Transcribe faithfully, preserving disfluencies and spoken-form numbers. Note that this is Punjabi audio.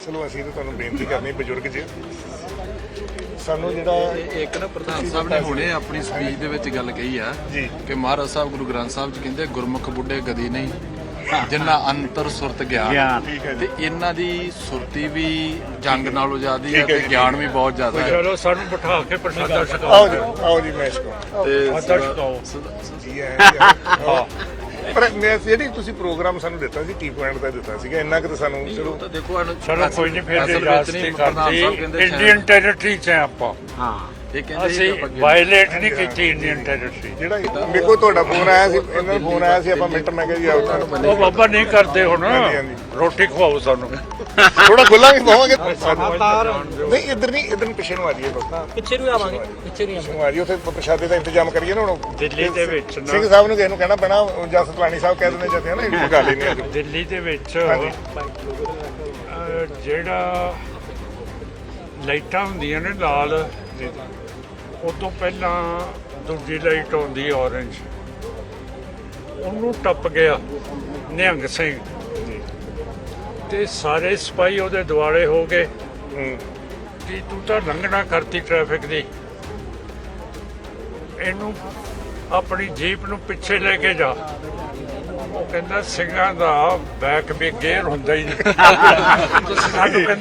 ਚਲੋ ਅਸੀਂ ਤਾਂ ਤੁਹਾਨੂੰ ਬੇਨਤੀ ਕਰਨੀ ਬਜ਼ੁਰਗ ਜੀ ਸਾਨੂੰ ਜਿਹੜਾ ਇੱਕ ਨਾ ਪ੍ਰਧਾਨ ਸਾਹਿਬ ਨੇ ਹੁਣੇ ਆਪਣੀ ਸਪੀਚ ਦੇ ਵਿੱਚ ਗੱਲ ਕਹੀ ਆ ਕਿ ਮਹਾਰਾਜ ਸਾਹਿਬ ਗੁਰੂ ਗ੍ਰੰਥ ਸਾਹਿਬ ਜੀ ਕਹਿੰਦੇ ਗੁਰਮੁਖ ਬੁੱਢੇ ਗਦੀ ਨਹੀਂ ਜਿੰਨਾ ਅੰਤਰ ਸੁਰਤ ਗਿਆਨ ਤੇ ਇਹਨਾਂ ਦੀ ਸੁਰਤੀ ਵੀ ਜੰਗ ਨਾਲੋਂ ਜ਼ਿਆਦੀ ਹੈ ਤੇ ਗਿਆਨ ਵੀ ਬਹੁਤ ਜ਼ਿਆਦਾ ਹੈ। ਚਲੋ ਸਾਨੂੰ ਬਿਠਾ ਕੇ ਪ੍ਰਸ਼ਾਦਾ ਛਕਾਓ। ਆਓ ਜੀ ਆਓ ਜੀ ਮੈਂ ਛਕਾਓ ਤੇ ਜੀ ਹਾਂ ਪਰ ਮੈਂ ਜਿਹੜੀ ਤੁਸੀਂ ਪ੍ਰੋਗਰਾਮ ਸਾਨੂੰ ਦਿੱਤਾ ਸੀ ਟੀ ਪੁਆਇੰਟ ਦਾ ਦਿੱਤਾ ਸੀਗਾ ਇੰਨਾ ਕਿ ਸਾਨੂੰ ਚਲੋ ਤਾਂ ਦੇਖੋ ਚਲੋ ਕੋਈ ਨਹੀਂ ਫਿਰ ਇਜਾਜ਼ਤ ਨਹੀਂ ਕਰਦੀ ਇੰਡੀਅਨ ਟੈਰੀਟਰੀ 'ਚ ਹੈ ਆਪਾਂ। ਹਾਂ ਇਹ ਕਹਿੰਦੇ ਅਸੀਂ ਵਾਇਲੇਟ ਨਹੀਂ ਕੀਤੀ ਇੰਡੀਅਨ ਟੈਰੀਟਰੀ। ਜਿਹੜਾ ਮੇਰੇ ਕੋਲ ਤੁਹਾਡਾ ਫੋਨ ਆਇਆ ਸੀ ਇਹਨਾਂ ਦਾ ਫੋਨ ਆਇਆ ਸੀ ਆਪਾਂ ਮਿੰਟ ਮੈਂ ਕਿਹਾ ਜੀ ਆਓ ਤੁਹਾਨੂੰ ਉਹ ਬਾਬਾ ਨਹੀਂ ਕਰਦੇ ਹੁਣ ਰੋਟੀ ਖਵਾਓ ਸਾਨੂੰ ਥੋੜਾ ਖੁੱਲਾਂਗੇ ਪਾਵਾਂਗੇ ਨਹੀਂ ਇੱਧਰ ਨਹੀਂ ਇੱਧਰ ਨੂੰ ਪਿੱਛੇ ਨੂੰ ਆ ਜਾਈਏ ਬਸ ਪਿੱਛੇ ਨੂੰ ਆਵਾਂਗੇ ਪਿੱਛੇ ਨੂੰ ਪਿੱਛੇ ਨੂੰ ਆ ਜਾਈਏ ਉੱਥੇ ਪ੍ਰਸ਼ਾਦੇ ਦਾ ਇੰਤਜ਼ਾਮ ਕਰੀਏ ਨਾ ਹੁਣ ਦਿੱਲੀ ਦੇ ਵਿੱਚ ਨਾ ਸਿੰਘ ਸਾਹਿਬ ਨੂੰ ਕਿਸੇ ਨੂੰ ਕਹਿਣਾ ਪੈਣਾ ਜਾਂ ਸਤਲਾਣੀ ਸਾਹਿਬ ਕਹਿ ਦਿੰਦੇ ਜਾਂਦੇ ਆ ਨਾ ਇਹ ਪਕਾ ਲੈਣੇ ਆ ਦਿੱਲੀ ਦੇ ਵਿੱਚ ਜਿਹੜਾ ਲਾਈਟਾਂ ਹੁੰਦੀਆਂ ਨੇ ਲਾਲ ਉਹ ਤੋਂ ਪਹਿਲਾਂ ਦੂਜੀ ਲਾਈਟ ਆਉਂਦੀ ਔਰੰਜ ਉਹਨੂੰ ਟੱਪ ਗਿਆ ਨਿਹੰਗ ਸਿੰਘ ਤੇ ਸਾਰੇ ਸਿਪਾਹੀ ਉਹਦੇ ਦੁਆਲੇ ਹੋ ਗਏ ਕਿ ਤੂੰ ਤਾਂ ਲੰਘਣਾ ਕਰਤੀ ਟ੍ਰੈਫਿਕ ਦੀ ਇਹਨੂੰ ਆਪਣੀ ਜੀਪ ਨੂੰ ਪਿੱਛੇ ਲੈ ਕੇ ਜਾ। ਉਹ ਕਹਿੰਦਾ ਸਿੰਘਾਂ ਦਾ ਬੈਕ ਵੀ ਗੇਅਰ ਹੁੰਦਾ ਹੀ ਨਹੀਂ।